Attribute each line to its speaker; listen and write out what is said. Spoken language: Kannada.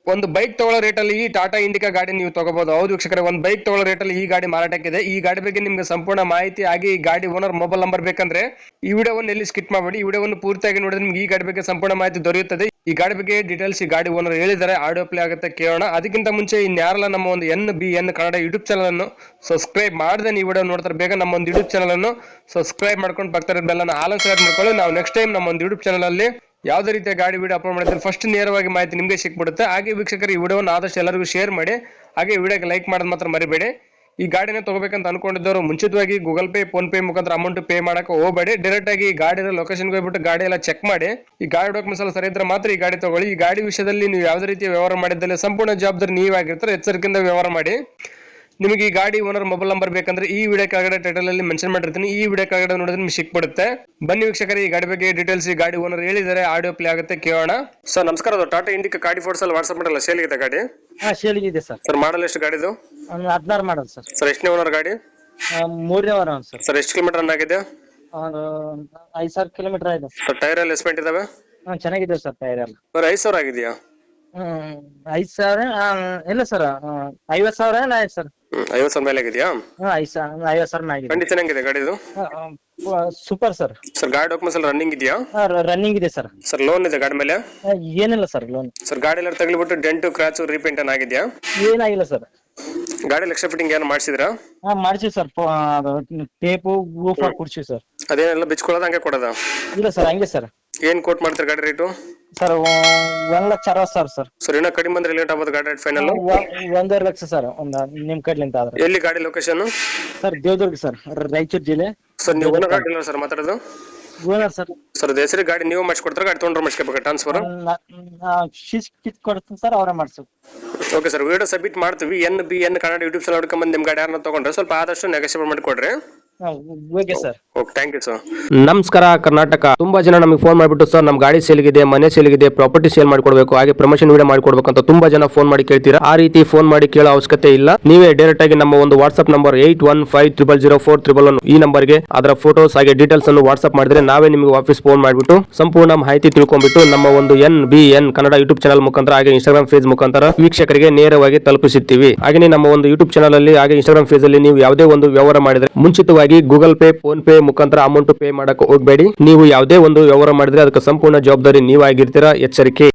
Speaker 1: ಒಂದು ಬೈಕ್ ತಗೊಳ್ಳೋ ರೇಟಲ್ಲಿ ಈ ಟಾಟಾ ಇಂಡಿಕಾ ಗಾಡಿ ನೀವು ತಗೋಬಹುದು. ಹೌದು ವೀಕ್ಷಕರೇ, ಒಂದು ಬೈಕ್ ತಗೊಳ್ಳೋ ರೇಟಲ್ಲಿ ಈ ಗಾಡಿ ಮಾರಾಟಕ್ಕಿದೆ. ಈ ಗಾಡಿ ಬಗ್ಗೆ ನಿಮ್ಗೆ ಸಂಪೂರ್ಣ ಮಾಹಿತಿ ಹಾಗೆ ಈ ಗಾಡಿ ಓನರ್ ಮೊಬೈಲ್ ನಂಬರ್ ಬೇಕಂದ್ರೆ ಈ ವಿಡಿಯೋವನ್ನು ಎಲ್ಲಿ ಸ್ಕಿಪ್ ಮಾಡಬೇಡಿ. ಈ ವಿಡಿಯೋವನ್ನು ಪೂರ್ತಿಯಾಗಿ ನೋಡಿದ್ರೆ ನಿಮ್ಗೆ ಈ ಗಾಡಿ ಬಗ್ಗೆ ಸಂಪೂರ್ಣ ಮಾಹಿತಿ ದೊರೆಯುತ್ತದೆ. ಈ ಗಾಡಿ ಬಗ್ಗೆ ಡೀಟೇಲ್ಸ್ ಈ ಗಾಡಿ ಓನರ್ ಹೇಳಿದ್ದಾರೆ, ಆಡಿಯೋ ಪ್ಲೇ ಆಗುತ್ತೆ ಕೇಳೋಣ. ಅದಕ್ಕಿಂತ ಮುಂಚೆ ಇನ್ಯಾರಲ್ಲ ನಮ್ಮ ಒಂದು NBN ಕನ್ನಡ ಯೂಟ್ಯೂಬ್ ಚಾನಲ್ ಅನ್ನು ಸಬ್ಸ್ಕ್ರೈಬ್ ಮಾಡದೆ ಈ ವಿಡಿಯೋ ನೋಡ್ತಾರೆ ಬೇಗ ನಮ್ಮ ಒಂದು ಯೂಟ್ಯೂಬ್ ಚಾನಲ್ ಅನ್ನು ಸಬ್ಸ್ಕ್ರೈಬ್ ಮಾಡ್ಕೊಂಡು ಪಕ್ಕದ ಬೆಲ್ ಅನ್ನು ಆಲ್ ಸೆಲೆಕ್ಟ್ ಮಾಡ್ಕೊಳ್ಳಿ. ನಾವು ನೆಕ್ಸ್ಟ್ ಟೈಮ್ ನಮ್ಮ ಒಂದು ಯೂಟ್ಯೂಬ್ ಚಾನಲ್ ಅಲ್ಲಿ ಯಾವುದೇ ರೀತಿಯ ಗಾಡಿ ವಿಡಿಯೋ ಅಪ್ಲೋಡ್ ಮಾಡಿದ್ರೆ ಫಸ್ಟ್ ನೇರವಾಗಿ ಮಾಹಿತಿ ನಿಮಗೆ ಸಿಕ್ಬಿಡುತ್ತೆ. ಹಾಗೆ ವೀಕ್ಷಕರು ಈ ವಿಡಿಯೋವನ್ನು ಆದಷ್ಟು ಎಲ್ಲರಿಗೂ ಶೇರ್ ಮಾಡಿ, ಹಾಗೆ ವಿಡಿಯೋಗೆ ಲೈಕ್ ಮಾಡೋದು ಮಾತ್ರ ಮರಿಬೇಡಿ. ಈ ಗಾಡಿನ ತಗೋಬೇಕಂತ ಅನ್ಕೊಂಡಿದ್ದವರು ಮುಂಚಿತವಾಗಿ ಗೂಗಲ್ ಪೇ, ಫೋನ್ ಪೇ ಮುಖಾಂತರ ಅಮೌಂಟ್ ಪೇ ಮಾಡಕ್ಕೆ ಹೋಗಬೇಡಿ. ಡೈರೆಕ್ಟ್ ಆಗಿ ಈ ಗಾಡಿಯ ಲೊಕೇಶನ್ಗೆ ಹೋಗ್ಬಿಟ್ಟು ಗಾಡಿ ಎಲ್ಲ ಚೆಕ್ ಮಾಡಿ, ಈ ಗಾಡಿ ಡಾಕ್ಯುಮೆಂಟ್ಸ್ ಎಲ್ಲ ಸರಿ ಇದ್ರೆ ಮಾತ್ರ ಈ ಗಾಡಿ ತಗೊಳ್ಳಿ. ಈ ಗಾಡಿ ವಿಷಯದಲ್ಲಿ ನೀವು ಯಾವುದೇ ರೀತಿಯ ವ್ಯವಹಾರ ಮಾಡಿದ್ದಲ್ಲಿ ಸಂಪೂರ್ಣ ಜವಾಬ್ದಾರಿ ನೀವಾಗಿರ್ತಾರೆ, ಎಚ್ಚರಿಕೆಯಿಂದ ವ್ಯವಹಾರ ಮಾಡಿ. ನಿಮಗೆ ಈ ಗಾಡಿ ಓನರ್ ಮೊಬೈಲ್ ನಂಬರ್ ಬೇಕಂದ್ರೆ ಈ ವಿಡಿಯೋ ಕೆಳಗಡೆ ಟೈಟಲ್ ಅಲ್ಲಿ ಮೆನ್ಷನ್ ಮಾಡಿರ್ತೀನಿ, ಈ ವಿಡಿಯೋ ಕೆಳಗಡೆ ನೋಡಿದ್ರೆ ನಿಮ್ಗೆ ಸಿಕ್ಬಿಡುತ್ತೆ. ಬನ್ನಿ ವೀಕ್ಷಕರೇ, ಈ ಗಾಡಿ ಬಗ್ಗೆ ಡೀಟೇಲ್ಸ್ ಈ ಗಾಡಿ ಓನರ್ ಹೇಳಿದ್ದಾರೆ, ಆಡಿಯೋ ಪ್ಲೇ ಆಗುತ್ತೆ ಕೇಳೋಣ. ಸರ್ ನಮಸ್ಕಾರ, ಅದು ಟಾಟಾ ಇಂಡಿಕಾ ಗಾಡಿ ಫೋಟೋಸ್ ಅಲ್ಲಿ ವಾಟ್ಸ್ಆಪ್ ಮಾಡಲ್ಲ ಸೇಲ್ ಇದೆ ಗಾಡಿ?
Speaker 2: ಸೇಲಿಗಿದೆ ಸರ್.
Speaker 1: ಸರ್ ಮಾಡಲ್ ಎಷ್ಟು ಗಾಡಿದು?
Speaker 2: 16 ಮಾಡಲ್ ಸರ್.
Speaker 1: ಸರ್ ಎಷ್ಟನೇ ಓನರ್ ಗಾಡಿ?
Speaker 2: 3ನೇ ವಾರ ಸರ್.
Speaker 1: ಸರ್ ಎಷ್ಟು ಕಿಲೋಮೀಟರ್ ರನ್ ಆಗಿದೆ?
Speaker 2: 5,000 ಕಿಲೋಮೀಟರ್ ಆಗಿದೆ
Speaker 1: ಸರ್. ಟೈರ್ ಎಲ್ಲ ಎಸ್ಪೆಂಟ್ ಇದಾವೆ?
Speaker 2: ಚೆನ್ನಾಗಿದೆ ಸರ್. ಟೈರ್ ಎಲ್ಲ
Speaker 1: ಸರ್ 5,000 ಆಗಿದೆಯಾ?
Speaker 2: 5,000 ಇಲ್ಲ ಸರ್. 50,000 ಆಯ್ತು ಸರ್.
Speaker 1: 50,000 ಮೇಲೆ ಆಗಿದೆಯಾ?
Speaker 2: 50,000 ಆಗಿದೆ.
Speaker 1: ಕಂಡೀಷನ್ ಹೆಂಗಿದೆ ಗಾಡಿದು?
Speaker 2: Super sir.
Speaker 1: ಸರ್ ಗಾಡಿ ಡಾಕ್ಯುಮೆಂಟ್ಸ್ ಎಲ್ಲ ರನ್ನಿಂಗ್ ಇದೆಯಾ?
Speaker 2: ರನ್ನಿಂಗ್ ಇದೆ ಸರ್.
Speaker 1: ಸರ್ ಲೋನ್ ಇದೆ ಗಾಡಿ ಮೇಲೆ?
Speaker 2: ಏನಿಲ್ಲ ಸರ್ ಲೋನ್.
Speaker 1: ಸರ್ ಗಾಡಿ ಎಲ್ಲ ತಗಲಿಬಿಟ್ಟು ಡೆಂಟು ಕ್ರಾಚ್ ರೀಪೇಂಟ್ ಆಗಿದೆಯಾ?
Speaker 2: ಏನಾಗಿಲ್ಲ ಸರ್.
Speaker 1: ಗಾಡಿ ಎಕ್ಸ್ಟ್ರಾ ಫಿಟ್ಟಿಂಗ್ ಏನು ಮಾಡಿಸಿದ್ರಾ?
Speaker 2: ಮಾಡಿಸಿ ಸರ್. ಟೇಪು ಗೂಫರ್ ಕುಡ್ಸಿ ಸರ್.
Speaker 1: ಅದೇನೆಲ್ಲ ಬಿಚ್ಕೊಳ್ಳೋದು ಹಂಗೆ ಕೊಡೋದ?
Speaker 2: ಇಲ್ಲ ಸರ್, ಹಂಗೆ ಸರ್.
Speaker 1: ಏನ್ ಕೋಟ್ ಮಾಡ್ತಾರೆ ಗಾಡಿ ರೇಟು?
Speaker 2: Sir 1,60,000 sir.
Speaker 1: ಸರ್ ಇನ್ನೂ ಕಡಿಮೆ ಬಂದ್ರೆ ಲೇಟ್ ಆಗ್ಬೋದು ಗಾಡಿ ರೇಟ್ ಫೈನಲ್?
Speaker 2: 1.5 ಲಕ್ಷ ಸರ್. ನಿಮ್ ಕಡ್ಲಿಂದ ಆದ್ರೆ.
Speaker 1: ಎಲ್ಲಿ ಗಾಡಿ location?
Speaker 2: Sir Devadurga sir, Raichur ಜಿಲ್ಲೆ.
Speaker 1: ಸರ್ ನೀವು ಓನರ್ ಗಾಡಿ ಇಲ್ಲ ಸರ್ ಮಾತಾಡೋದು?
Speaker 2: Owner sir.
Speaker 1: ಸರ್ ಹೆಸರು ಗಾಡಿ ನೀವು ಮಾಡಿಸ್ಕೊಡ್ತಾರೆ, ಗಾಡಿ ತೊಗೊಂಡ್ರೆ ಮಾಡಿಸ್ಕೋಬೇಕು ಟ್ರಾನ್ಸ್ಫರ್?
Speaker 2: ಕಿತ್ ಕೊಡ್ತೀನಿ ಸರ್, ಅವರೇ ಮಾಡಿಸು.
Speaker 1: ಓಕೆ ಸರ್, ವಿಡಿಯೋ ಸಬ್ಮಿಟ್ ಮಾಡ್ತೀವಿ. NBN ಕನ್ನಡ ಯೂಟ್ಯೂಬ್ ಚಾನಲ್ ನೋಡ್ಕೊಂಡ್ಬಂದು ನಿಮ್ಮ ಗಾಡಿ ಯಾರನ್ನ ತೊಗೊಂಡ್ರೆ ಸ್ವಲ್ಪ ಆದಷ್ಟು ನೆಗೋಷಿಯೇಟ್ ಮಾಡಿಕೊಡ್ರಿ.
Speaker 2: Okay sir.
Speaker 1: Okay, thank you sir.
Speaker 3: ನಮಸ್ಕಾರ ಕರ್ನಾಟಕ. ತುಂಬಾ ಜನ ನಮಗೆ ಫೋನ್ ಮಾಡಿಬಿಟ್ಟು ಸರ್ ನಮ್ಮ ಗಾಡಿ ಸೇಲ್ಗಿದೆ, ಮನೆ ಸೇಲ್ಗಿದೆ, ಪ್ರಾಪರ್ಟಿ ಸೇಲ್ ಮಾಡ್ಕೊಡ್ಬೇಕು, ಹಾಗೆ ಪ್ರಮೋಷನ್ ವಿಡಿಯೋ ಮಾಡ್ಕೊಡ್ಬೇಕು ಅಂತ ತುಂಬಾ ಜನ ಫೋನ್ ಮಾಡಿ ಕೇಳ್ತೀರಾ. ಆ ರೀತಿ ಫೋನ್ ಮಾಡಿ ಕೇಳೋ ಅವಶ್ಯಕತೆ ಇಲ್ಲ. ನೀವೇ ಡೈರೆಕ್ಟ್ ಆಗಿ ನಮ್ಮ ಒಂದು ವಾಟ್ಸ್ಆಪ್ ನಂಬರ್ 81500411 ಈ ನಂಬರ್ಗೆ ಅದರ ಫೋಟೋಸ್ ಹಾಗೆ ಡೀಟೇಲ್ಸ್ ಅನ್ನು ವಾಟ್ಸ್ಆಪ್ ಮಾಡಿದ್ರೆ ನಾವೇ ನಿಮಗೆ ವಾಪಸ್ ಫೋನ್ ಮಾಡಿಬಿಟ್ಟು ಸಂಪೂರ್ಣ ಮಾಹಿತಿ ತಿಳ್ಕೊಂಡ್ಬಿಟ್ಟು ನಮ್ಮ ಒಂದು NBN ಕನ್ನಡ ಯೂಟ್ಯೂಬ್ ಚಾನಲ್ ಮುಖಾಂತರ ಹಾಗೆ ಇನ್ಸ್ಟಾಗ್ರಾಮ್ ಪೇಜ್ ಮುಖಾಂತರ ವೀಕ್ಷಕರಿಗೆ ನೇರವಾಗಿ ತಲುಪಿಸುತ್ತೀವಿ. ಹಾಗೆ ನಮ್ಮ ಒಂದು ಯೂಟ್ಯೂಬ್ ಚಾನಲ್ ಅಲ್ಲಿ ಹಾಗೆ ಇನ್ಸ್ಟಾಗ್ರಾಮ್ ಪೇಜ್ ಅಲ್ಲಿ ನೀವು ಯಾವುದೇ ಒಂದು ವ್ಯವಹಾರ ಮಾಡಿದ್ರೆ ಮುಂಚಿತವಾಗಿ ಗೂಗಲ್ ಪೇ, ಫೋನ್ ಪೇ ಮುಖಾಂತರ ಅಮೌಂಟ್ ಪೇ ಮಾಡಕ್ಕೆ ಹೋಗಬೇಡಿ. ನೀವು ಯಾವುದೇ ಒಂದು ವ್ಯವಹಾರ ಮಾಡಿದ್ರೆ ಅದಕ್ಕೆ ಸಂಪೂರ್ಣ ಜವಾಬ್ದಾರಿ ನೀವಾಗಿರ್ತೀರಾ, ಎಚ್ಚರಿಕೆ.